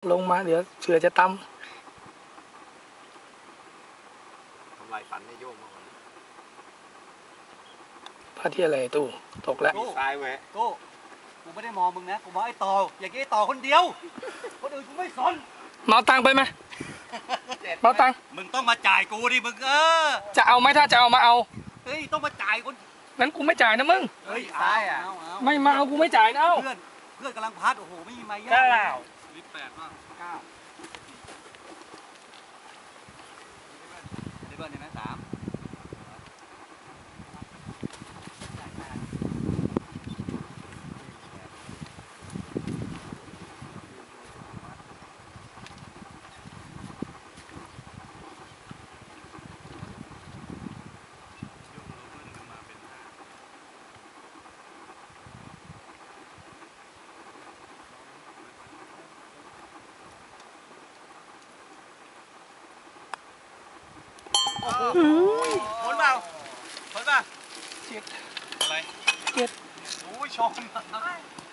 ลงมาเดี๋ยวเสือจะตำทำลายฝันให้โยมมาก่อนพลาดที่อะไรตู้ตกแล้วซ้ายแหวะกูไม่ได้มองมึงนะกูมองไอ้ต่ออย่างไอ้ต่อคนเดียวคนอื่นกูไม่สนเมาตังไปไหมเมาตังมึงต้องมาจ่ายกูดิมึงจะเอาไหมถ้าจะเอามาเอาเฮ้ยต้องมาจ่ายคนงั้นกูไม่จ่ายนะมึงเฮ้ยซ้ายไม่มาเอากูไม่จ่ายนะเพื่อนกำลังพัดโอ้โหไม่มีไม้ย่างลิ8มาก9ได้เบิ้ลได้ไหม3คนเปล่าคนป่ะเจ็ดอะไรเจ็ดโอ้ยชน